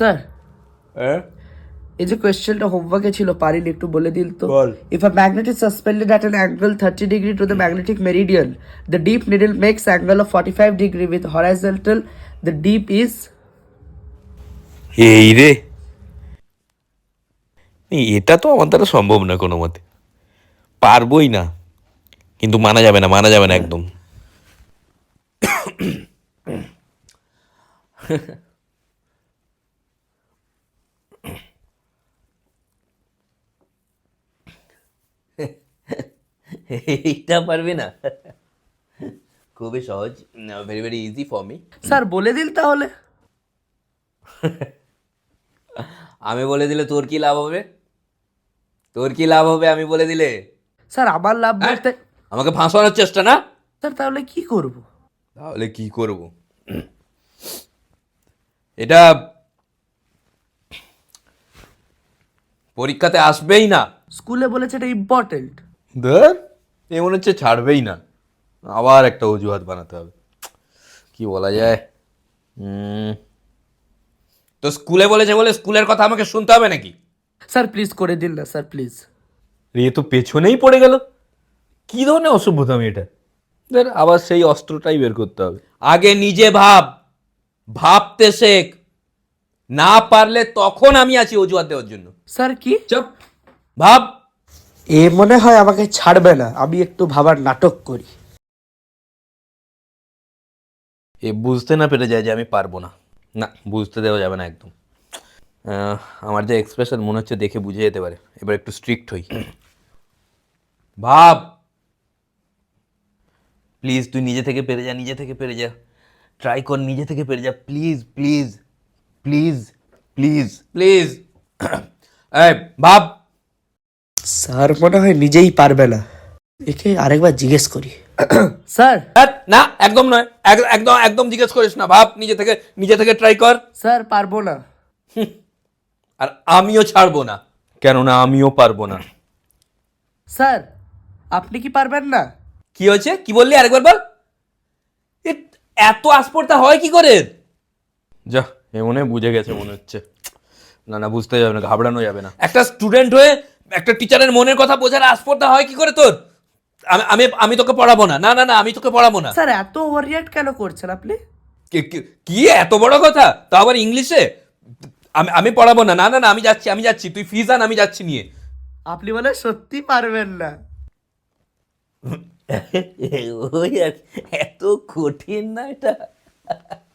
Sir হ্যাঁ এই যে কোয়েশ্চেনটা হোমওয়ার্কে ছিল পারিনি, একটু বলে দিল তো। বল। If a magnet is suspended at an angle 30 degree to the magnetic meridian, the deep needle makes angle of 45 degree with horizontal. The deep is এই রে, এটা তো আমার দ্বারা সম্ভব না কোনো মতে, পারবই না। কিন্তু মানা যাবে না, মানা যাবে না একদম। এইটা পারবি না? খুবই সহজ, very very easy for me. Sir বলে দিল তাহলে। আমি বলে দিলে তোর কি লাভ হবে? তোর কি লাভ হবে আমি বলে দিলে? স্যার আমার লাভ বলতে আমাকে ফাঁসানোর চেষ্টা না? স্যার তাহলে কি করব? তাহলে কি করব? এটা পরীক্ষাতে আসবেই না। স্কুলে বলেছে এটা ইম্পর্টেন্ট। ধর, এ মনে হচ্ছে ছাড়বেই না, আবার একটা অজুহাত বানাতে হবে। কি বলা যায়? তো স্কুলে বলেছে বলে স্কুলের কথা আমাকে শুনতে হবে নাকি? স্যার প্লিজ করে দিন না স্যার, প্লিজ। এ তো পেছনেই পড়ে গেল, কি ধরনের অসভ্যতামি এটা? ধর, আবার সেই অস্ত্রটাই বের করতে হবে। আগে নিজে ভাব, ভাবতে শেখ। না পারলে তখন আমি আছি অজুহাত দেওয়ার জন্য। স্যার কি? চুপ, ভাব। এ মনে হয় আমাকে ছাড়বে না, আমি একটু ভাবার নাটক করি। এ বুঝতে না পেরে যায় যে আমি পারবো না। না, বুঝতে দেওয়া যাবে না একদম। আমার যে এক্সপ্রেশন মনে হচ্ছে দেখে বুঝে যেতে পারে। এবার একটু স্ট্রিক্ট হই। ভাব, প্লিজ তুই নিজে থেকে পেরে যা, নিজে থেকে পেরে যা, ট্রাই কর, নিজে থেকে পেরে যা, please please please please please. ভাব। স্যার মনে হয় নিজেই পারবে না, একে আরেকবার জিজ্ঞেস করি। স্যার না, একদম নয়, একদম একদম জিজ্ঞেস করিস না। ভাব, নিজে থেকে ট্রাই কর। স্যার পারবো না। আর আমিও ছাড়বো না, কেননা আমিও পারবো না। স্যার আপনি কি পারবেন না? কি হয়েছে? কি বললি? আরেকবার বল। এত আসপর্দা হয় কি করে? যা, এ মনে বুঝে গেছে মনে হচ্ছে। না না, বুঝতে যাবে না, ঘাবড়ানো যাবে না। একটা স্টুডেন্ট হয়ে একটা টিচারের মনের কথা বোঝার আসপর্দা হয় কি করে তোর? আমি আমি তোকে পড়াবো না। না না না, আমি তোকে পড়াবো না। স্যার এত ওভার রিঅ্যাক্ট কেন করছেন আপনি? কি এত বড় কথা, তা আবার ইংলিশে? আমি পড়াবো না। না না না, আমি যাচ্ছি, তুই ফিজ আন, আমি যাচ্ছি নিয়ে। আপনি বলে সত্যি পারবেন না? ওই এত কঠিন না এটা।